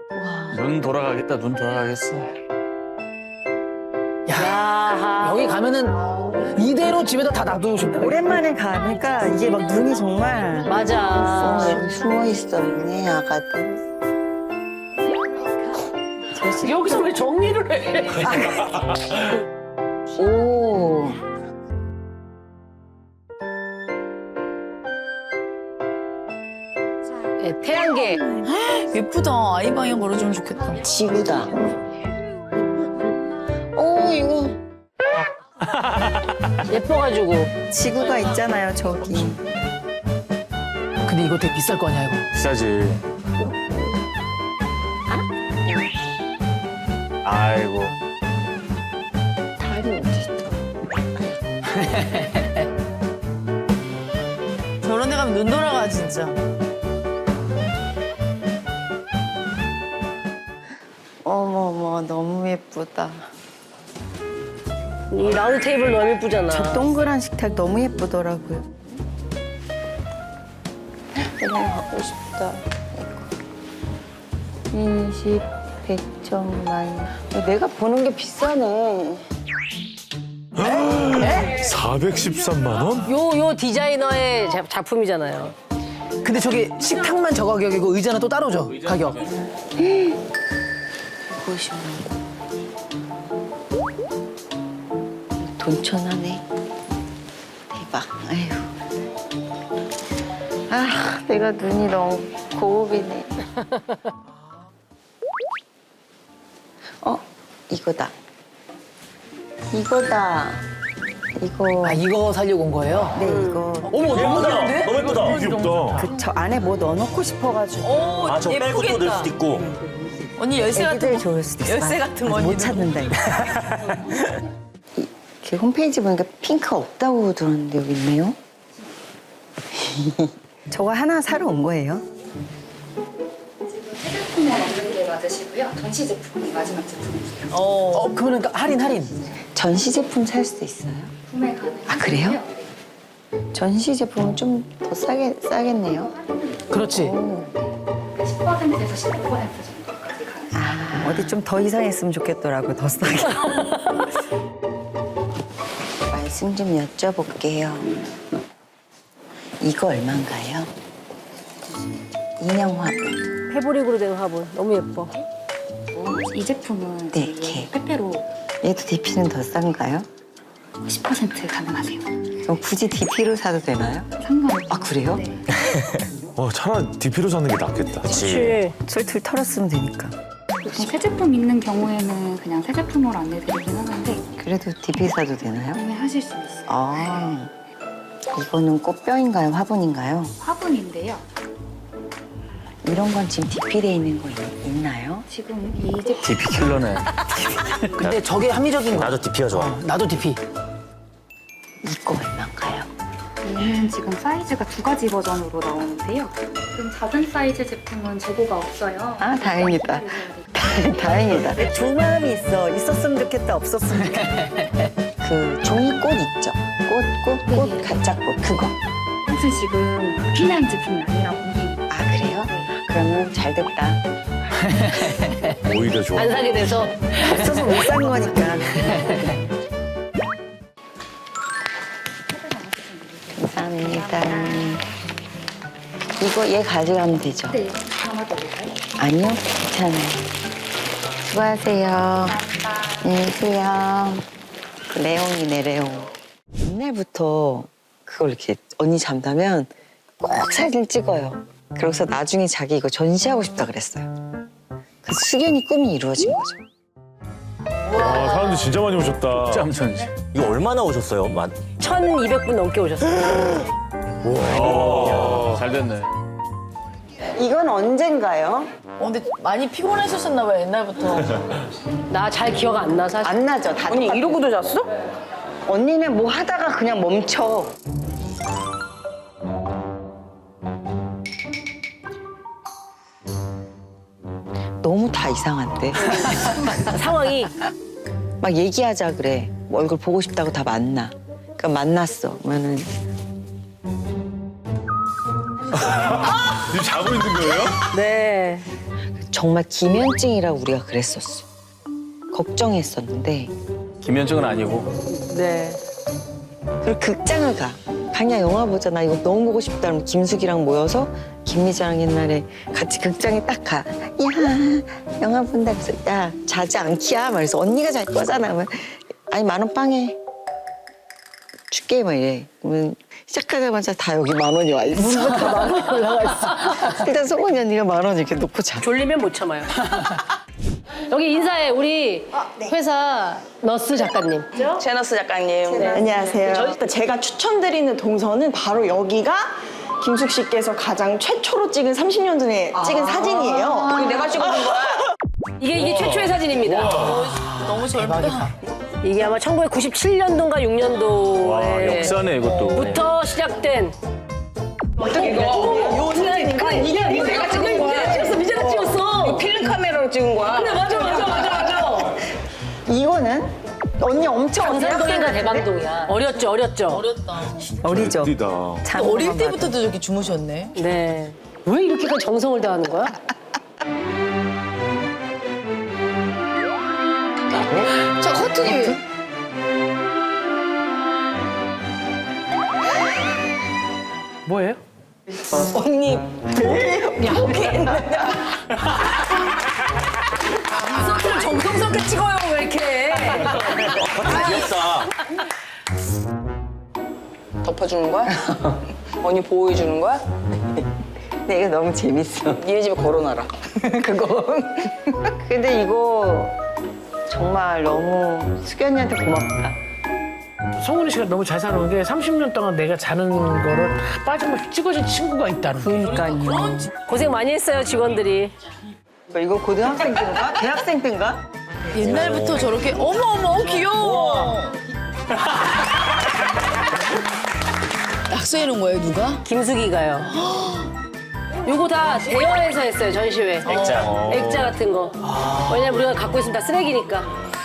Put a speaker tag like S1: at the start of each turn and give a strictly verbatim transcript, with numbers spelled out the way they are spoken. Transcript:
S1: 눈 돌아가겠다, 눈 돌아가겠어.
S2: 야, 여기 가면은 이대로 집에다 다 놔두고 싶다.
S3: 오랜만에 가니까 이게 막 눈이 정말
S2: 맞아.
S3: 어, 여기 숨어 있어 있네 아가들.
S2: 여기서 왜 정리를 해?
S3: 오.
S2: 네, 태양계.
S4: 예쁘다. 아이 방에 걸어주면 좋겠다.
S3: 지구다. 오 이거
S2: 예뻐가지고.
S3: 지구가 있잖아요 저기.
S2: 근데 이거 되게 비쌀 거 아니야, 이거?
S1: 비싸지. 아이고.
S3: 달이 어디 있다.
S4: 저런 데 가면 눈 돌아가, 진짜.
S3: 어머머 너무 예쁘다.
S2: 이 라운드 테이블 너무 예쁘잖아.
S3: 저 동그란 식탁 너무 예쁘더라고요. 그냥 갖고 싶다. 인식 백점만. 내가 보는 게 비싸네.
S5: 사백십삼만 원?
S2: 요, 요 디자이너의 자- 작품이잖아요.
S6: 근데 저게 식탁만 저 가격이고 의자는 또 따로죠, 가격.
S3: 백오십만 원. 돈천하네. 대박. 아휴. 아, 내가 눈이 너무 고급이네. 어, 이거다. 이거다. 이거.
S6: 아, 이거 살려고 온 거예요?
S3: 네, 이거.
S6: 어머, 너무 귀여운데?
S5: 너무 예쁘다. 귀엽다.
S3: 그 저 안에 뭐 넣어놓고 싶어가지고.
S4: 오,
S5: 아, 저 빼고 또 넣을 수도 있고.
S4: 언니 열쇠 같은
S3: 애기들
S4: 거.
S3: 좋을 수도 있어.
S4: 열쇠 같은 거
S3: 못
S4: 언니는.
S3: 찾는다, 이거. 이, 그 홈페이지 보니까 핑크 없다고 들었는데 여기 있네요. 저거 하나 사러 온 거예요?
S7: 새 제품은 없는 게 맞으시고요. 전시 제품이 마지막 제품이세요.
S6: 어, 어 그러면 할인, 할인.
S3: 전시 제품 살 수도 있어요?
S7: 구매 가능.
S3: 아, 그래요? 전시 제품은 좀 더 싸게, 싸겠네요.
S6: 그렇지.
S3: 오.
S7: 십 퍼센트에서 십오 퍼센트 정도까지 가능.
S3: 아, 어디 좀 더 이상했으면 좋겠더라고요, 더 싸게. 말씀 좀 여쭤볼게요. 이거 얼마인가요? 인형 화분.
S2: 패브릭으로 된 화분. 너무 예뻐.
S7: 이 제품은
S3: 네,
S7: 지금
S3: 개.
S7: 페페로
S3: 얘도 디피는 더 싼가요?
S7: 십 퍼센트 가능하세요.
S3: 그럼 굳이 디피로 사도 되나요?
S7: 상관없어요.
S3: 아, 그래요?
S7: 네.
S5: 어, 차라리 디피로 사는 게 낫겠다.
S2: 그치.
S3: 술툴 털었으면 되니까.
S7: 보통 새 제품 있는 경우에는 그냥 새 제품으로 안내드리긴 하는데
S3: 그래도 디피 사도 되나요?
S7: 구매하실 수 있어요.
S3: 아, 이거는 꽃병인가요? 화분인가요?
S7: 화분인데요.
S3: 이런 건 지금 디피돼 있는 거 있, 있나요?
S7: 지금 이 제품
S1: 디피 킬러네.
S6: 근데 저게 합리적인 거야.
S5: 나도 디피가 좋아.
S6: 나도 디피.
S3: 이거 얼마인가요?
S7: 얘는 지금 사이즈가 두 가지 버전으로 나오는데요. 지금 작은 사이즈 제품은 재고가 없어요.
S3: 아, 다행이다. 다행이다. 두 마음이 있어. 있었으면 좋겠다, 없었으면 좋겠다. 그 종이꽃 있죠? 꽃, 꽃, 꽃,
S7: 네.
S3: 가짜 꽃, 그거.
S7: 사실 지금 피난 제품이 아니라고.
S3: 아, 그래요? 그러면 잘 됐다.
S5: 오히려 좋아.
S2: 안 사게 돼서.
S3: 없어서 못 산 거니까. 감사합니다. 이거 얘 가져가면 되죠?
S7: 네, 담아드릴까요?
S3: 아니요, 괜찮아요. 수고하세요. 안녕히 계세요. 그 레옹이네, 레옹. 옛날부터 그걸 이렇게 언니 잠자면 꼭 사진 찍어요. 그래서 나중에 자기 이거 전시하고 싶다 그랬어요. 그 숙연히 꿈이 이루어진 거죠.
S5: 와, 사람들 진짜 많이 오셨다.
S1: 짬천지.
S8: 이거 얼마나 오셨어요? 만...
S2: 천이백 분 넘게 오셨어요.
S1: 와, 잘 됐네.
S3: 이건 언젠가요?
S4: 어, 근데 많이 피곤하셨었나 봐요, 옛날부터.
S2: 나 잘 기억 안 나, 사실.
S3: 안 나죠? 다
S2: 언니
S3: 똑같아요.
S2: 이러고도 잤어?
S3: 언니는 뭐 하다가 그냥 멈춰. 너무 다 이상한데.
S2: 상황이.
S3: 막 얘기하자 그래. 뭐 얼굴 보고 싶다고 다 만나. 그러니까 만났어. 그러면은
S5: 지금 자고 있는 거예요?
S2: 네.
S3: 정말 기면증이라고 우리가 그랬었어. 걱정했었는데
S1: 김현정은 아니고.
S3: 네. 그리고 극장을 가. 그냥 영화 보자. 나 이거 너무 보고 싶다. 그러면 김숙이랑 모여서 김미자랑 옛날에 같이 극장에 딱 가. 야, 영화 본다. 그래서 야, 자지 않기야. 말해서 언니가 잘 거잖아. 그러면 아니, 만 원 빵에 줄게. 막 이래. 그러면 시작하자마자 다 여기 만 원이 와 있어. 문부터 만 원이 올라가 있어. 일단 송은이 언니가 만 원 이렇게 놓고 자.
S9: 졸리면 못 참아요. 여기 인사해 우리 회사 너스 작가님.
S10: 제너스 작가님.
S3: 네. 안녕하세요.
S10: 저, 제가 추천드리는 동선은 바로 여기가 김숙 씨께서 가장 최초로 찍은 삼십 년 전에 찍은 사진이에요. 그리고 내가 찍어준 거야.
S9: 이게 이게 최초의 사진입니다.
S4: 너무 젊다.
S9: 이게 아마 천구백구십칠 년도인가 육 년도에
S1: 와, 역사네, 이것도.
S9: 부터 시작된.
S10: 어떻게 이거? 요 사진이니까 이게 내가 찍은 거야.
S9: 찍었어, 미자가 찍었어.
S10: 필름 카메라로 찍은 거야.
S9: 그래, 맞아, 맞아, 맞아, 맞아.
S10: 이거는 언니 엄청
S9: 강산동인가 대방동이야. 어렸죠, 어렸죠.
S4: 어렸다.
S3: 어리죠.
S5: 어리다.
S4: 어릴 때부터도 저렇게 주무셨네.
S9: 네. 왜 이렇게까지 정성을 다하는 거야?
S4: 자, 커튼이.
S2: 뭐예요?
S10: 언니
S9: 인서트를 정성스럽게 찍어요, 왜 이렇게.
S8: 귀엽다.
S10: 덮어주는 거야? 언니 보호해주는 거야?
S3: 근데 이거 너무 재밌어.
S10: 니네 집에 걸어놔라.
S3: 그거. 근데 이거 정말 너무 수견이한테 고맙다.
S2: 성훈이 씨가 너무 잘 사는 게 삼십 년 동안 내가 자는 거를 다 빠짐없이 찍어준 친구가 있다는 거.
S3: 그러니까요.
S9: 고생 많이 했어요, 직원들이.
S3: 뭐 이거 고등학생 때인가? 대학생 때인가?
S4: 옛날부터 저렇게 어머 어머 귀여워. 약속해 놓은 거예요 누가?
S9: 김숙이가요. 요거 다 대여해서 했어요, 전시회.
S1: 액자.
S9: 액자 같은 거. 왜냐면 우리가 갖고 있으면 다 쓰레기니까.